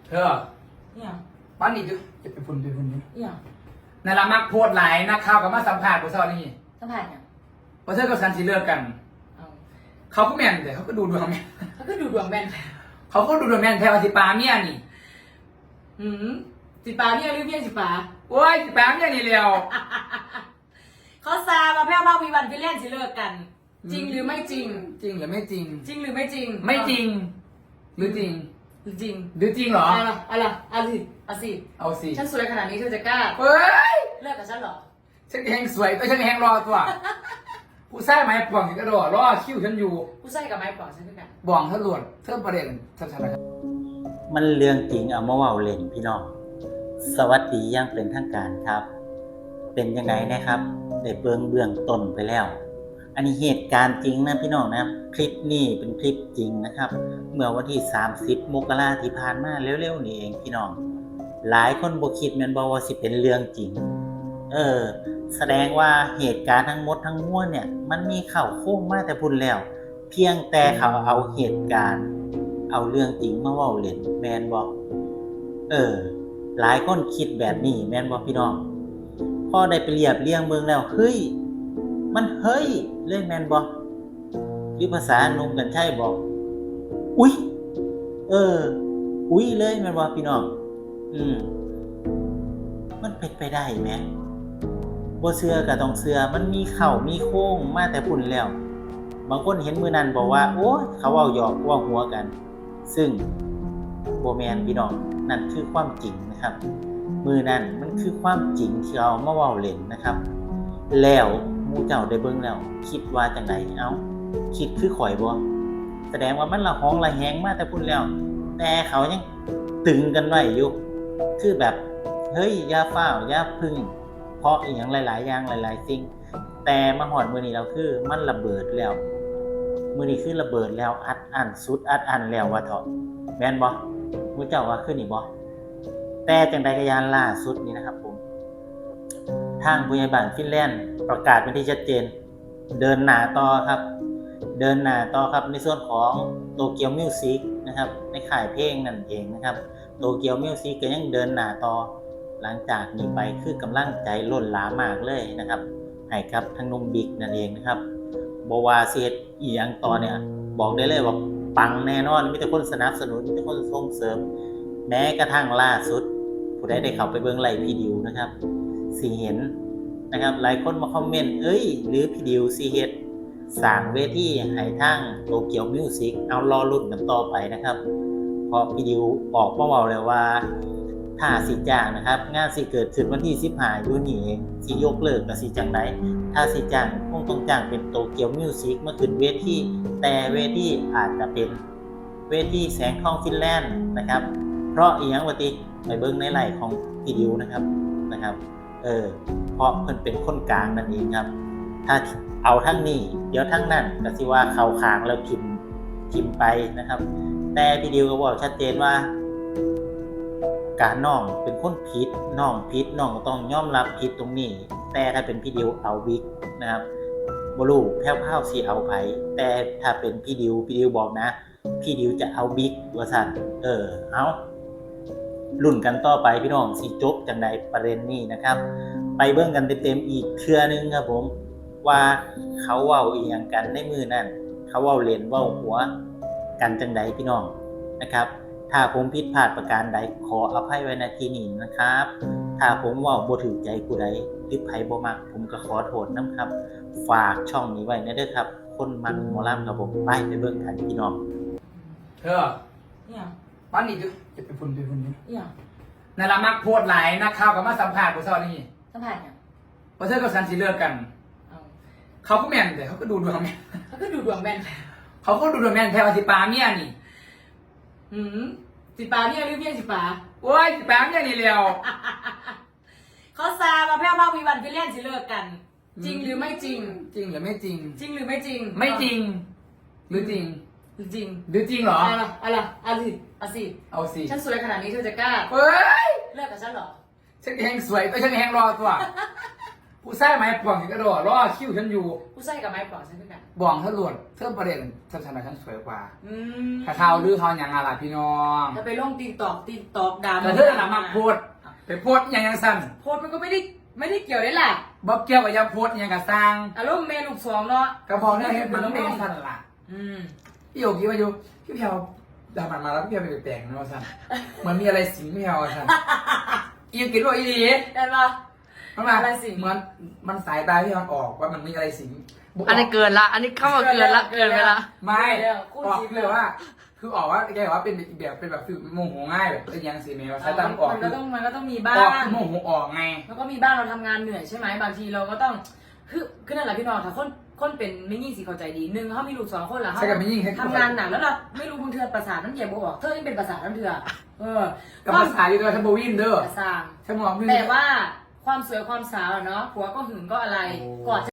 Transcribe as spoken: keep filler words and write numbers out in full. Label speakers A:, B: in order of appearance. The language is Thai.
A: เธอ
B: เนี่ย
A: บ้านนี้จะจะไปพุ่นไปพุ่นนี่
B: เนี่ย
A: นั่นละมักโพดหลายนักข่าวกับมาสัมภาษณ์ผู้สาวนี่
B: สัมผัสเนี่ย
A: เพราะเธอกับฉันสิเลิกกัน
B: เอา
A: เขาก็แม่นแต่เขาก็ดูดวงแม่น
B: เขาก็ดูดวงแม่นค่ะ
A: เขาก็ดูดวงแม่นแทวาสิปาเมียนี่
B: หืมสิปาเนี่ยหรือเพี้ยนสิปา
A: โอ้ยสิปาเมียนี่เร็ว
B: เขาซามาแพ้วเมาวีวันพี่เล่นสิเลิกกัน จริงหรือไม่จริง
A: จริงหรือไม่จริง
B: จริงหรือไม่จริง
A: ไม่จริง หรือจริง
B: หรือจริง
A: หรือจริงเหรอ
B: อะไรอะไรเอาสิเอาสิ
A: เอาสิ
B: ฉันสวยขนาดนี้เธอจะกล้า
A: เฮ้ย
B: เลิกกับฉันเหรอ
A: ฉันแหงสวยแต่ฉันแหงรอตัวผู้ชายไม้ป่วงกระโดดรอคิ้วฉันอยู่
B: ผู้ชายกับไม้ปล่อยฉันด้วยกัน
A: บ่องเธอหลวดเธอประเด็นชัดๆนะครับ
C: มันเรื่องจริงเอามาเว้าเล่นพี่น้องสวัสดีอย่างเป็นทางการครับ เป็นยังไงนะครับได้เบื้องเบื้องต้นไปแล้วอันนี้เหตุการณ์จริงนะพี่น้องนะคลิปนี้เป็นคลิปจริงนะครับ เมื่อวันที่สามสิบมกราคมที่ผ่านมาเร็วๆนี่เองพี่น้องหลายคนบ่คิดแม่นบ่ว่าสิเป็นเรื่องจริงเออแสดงว่าเหตุการณ์ทั้งหมดทั้งมวลเนี่ยมันมีเข้าโค้งมาแต่พุ่นแล้วเพียงแต่เขาเอาเหตุการณ์เอาเรื่องจริงมาเว้าเล่นแม่นบ่เออหลายคนคิดแบบนี้แม่นบ่พี่น้องพอได้ไปเรียบเรียงเมืองแล้วเฮ้ยมันเฮ้ยเลยแม่นบ่หรือภาษาหนุ่มกันใช่บ่อุ๊ยเอออุ๊ยเลยแม่นบ่พี่น้องอืมมันเป็นไปได้แหมบ่เชื่อก็ต้องเชื่อมันมีเข้ามีโค้งมาแต่พุ่นแล้วบางคนเห็นมื้อนั้นบอกว่าโอ้ยเขาเว้าหยอกเว้าหัวกันซึ่งบ่แม่นพี่น้องนั่นคือความจริงนะครับมื้อนั้นมันคือความจริงที่เอามาเว้าเล่นนะครับแล้วหมู่เจ้าได้เบิ่งแล้วคิดว่าจังไดเอ้าคิดคือข่อยบ่แสดงว่ามันละหองละแหงมาแต่พุ่นแล้วแต่เขายังตึงกันไว้อยู่คือแบบเฮ้ยอย่าฟ้าวอย่าพึ่งเพราะอีหยังหลายๆอย่างหลายๆสิ่งแต่มาฮอดมื้อนี้แล้วคือมันระเบิดแล้วมื้อนี้คือระเบิดแล้วอัดอั้นสุดอัดอั้นแล้วว่าเถาะแม่นบ่หมู่เจ้าว่าคือนี่บ่แต่จังใดก็ยานล่าสุดนี่นะครับผมทางผู้ใหญ่บ้านฟินแลนด์ประกาศเป็นที่ชัดเจนเดินหน้าต่อครับเดินหน้าต่อครับในส่วนของโตเกียวมิวสิกนะครับในค่ายเพลงนั่นเองนะครับโตเกียวมิวสิกก็ยังเดินหน้าต่อหลังจากนี้ไปคือกำลังใจล้นหลามากเลยนะครับให้กับทั้งนุ่มบิ๊กนั่นเองนะครับบ่ว่าสิเฮ็ดอีหยังต่อเนี่ยบอกได้เลยว่าปังแน่นอนมีแต่คนสนับสนุนมีแต่คนส่งเสริมแม้กระทั่งล่าสุดผู้ใดได้เข้าไปเบิ่งไลฟ์พี่ดิวนะครับสิเห็นนะครับหลายคนมาคอมเมนต์เอ้ยหรือพี่ดิวสิเฮ็ดสร้างเวทีให้ทางโตเกียวมิวสิกเอารอลุ้นกันต่อไปนะครับเพราะพี่ดิวออกมาเว้าแล้วว่าถ้าสิจ้างนะครับงานสิเกิดขึ้นวันที่สิบห้าอยู่นี่เองสิยกเลิกก็สิจังได๋ถ้าสิจ้างคงต้องจ้างเป็นโตเกียวมิวสิกมาขึ้นเวทีแต่เวทีอาจจะเป็นเวทีแสงทองฟินแลนด์นะครับเพราะอีหยังว่าติไปเบิ่งในไลฟ์ของพี่ดิวนะครับนะครับเออเพราะเพิ่นเป็นคนกลางนั่นเองครับถ้าเอาทั้งนี้เดี๋ยวทั้งนั้นก็สิว่าเข้าข้างแล้วพิมพ์พิมพ์ไปนะครับแต่พี่ดิวก็บอกชัดเจนว่าการน้องเป็นคนผิดน้องผิดน้องก็ต้องยอมรับผิดตรงนี้แต่ถ้าเป็นพี่ดิวเอาบิ๊กนะครับบ่รู้แพ้วๆสิเอาไผแต่ถ้าเป็นพี่ดิวพี่ดิวบอกนะพี่ดิวจะเอาบิ๊กว่าซั่นเออเอาลุ้นกันต่อไปพี่น้องสิจบจังได๋ประเด็นนี้นะครับไปเบิ่งกันเต็มๆอีกเทื่อนึงครับผมว่าเขาเว้าอีหยังกันในมื้อนั้นเขาเว้าเล่นเว้าหัวกันจังได๋พี่น้องนะครับถ้าผมผิดพลาดประการใดขออภัยไว้ณที่นี้นะครับถ้าผมเว้าบ่ถูกใจผู้ใดหรือไผบ่มักผมก็ขอโทษนำครับฝากช่องนี้ไว้นะเด้อครับคนมักหมอลำครับผมไปไปเบิ่งกันพี่น้อง
A: เธอ
B: เนี่ย
A: บ้านนี้จะจะไปพุ่นไปพุ่นนี่
B: เนี่ย
A: นั่นละมักโพดหลายนักข่าวกับมาสัมภาษณ์ผู้สาวนี่
B: สัมผัสเนี่ย
A: เพราะเธอกับฉันสิเลิกกัน
B: เอา
A: เขาก็แม่นแต่เขาก็ดูดวงแม่น
B: เขาก็ดูดวงแม่นค่ะ
A: เขาก็ดูดวงแม่นแทวาสิปาเมียนี่
B: หืมสิปาเนี่ยหรือเพี้ยนสิปา
A: โอ้ยสิปาเมียนี่เร็ว
B: เขาซามาแพ้วเมาวีวันพี่เล่นสิเลิกกัน จริงหรือไม่จริง
A: จริงหรือไม่จริง
B: จริงหรือไม่จริง
A: ไม่จริง หรือจริง
B: หรือจริง
A: หรือจริงเหรอ
B: อะไรอะไรเอาสิเอาสิ
A: เอาสิ
B: ฉันสวยขนาดนี้เธอจะกล้า
A: เฮ้ย
B: เลิกกับฉันเหรอ
A: ฉันแหงสวยแต่ฉันแหงรอตัวผู้ชายไม้ป่วงกระโดดรอคิ้วฉันอยู่
B: ผู้ใส่กับไม้ปลอกใช่ไหมกัน
A: บ่องทะลวดเทิมประเด็นฉันชนะฉันสวยกว่า
B: อืม
A: ถ้าข่าวลือเขาอย่างอะไรพี่น้อง
B: ถ้าไปลงตีตอกตีตอกดาม
A: แต่เธอหนามาโพดไปโพดอย่างยังสั้น
B: โพดมันก็ไม่ได้ไม่ได้เกี่ยวได้แหละ
A: บอกเกี่ยวกับยาโพดอย่างกับสร้าง
B: อารมณ์เมลูกสองเนาะ
A: กระเพาะเนี่ยเห็นมันต้องเป็นสั้นล่ะ
B: อืม
A: พี่โยกี้มาอยู่พี่เพียวดามันมาแล้วพี่เพียวไปแปลงนะสั้นเหมือนมีอะไรสิงพี่เพียวสั้นอีกินว่าอีดี
B: เห็นปะ
A: มันมา
B: อะไรสิง
A: เหมือนมันสายตาพี่มันออกว่ามันมีอะไรสิง
D: อันนี้เกินละ อันนี้เข้ามาเกินละ เกินไปละ
A: ไม่ออกเลยว่า คือออกว่าแกบอกว่าเป็นอีกแบบเป็นแบบฟิลโมโหง่ายแบบเป็นยังสีเมลใช้ตามออก
B: มัน
A: คื
B: ก็
A: อ
B: ต้องมันก็ต้องมีบ้า
A: ออก
B: ง
A: คือโมโหออกไง
B: แล้วก็มีบ้างเราทำงานเหนื่อยใช่ไหมบางทีเราก็ต้องคือคือนั่นแหละพี่น้องถ้าคนคนเป็นไม่ยิ่งสิเข้าใจดีหนึ่งเขามีลูกสองคนเหรอเขา
A: ใช่กับไม่ยิ่งให้
B: ทำงานหนักแล้วเราไม่รู้บางเทือประสาทน้ำเย็นบวกเธอยังเป็นประสาทน้ำเทือเออ
A: กับภาษาอยู่ตัวทัมโบวินเด้อ
B: ประสาท
A: ฉันมองพี่
B: แต่ว่าความสวยความสาวอะเนาะผัวก็หึงก็อะไร
A: โอ้
B: กอด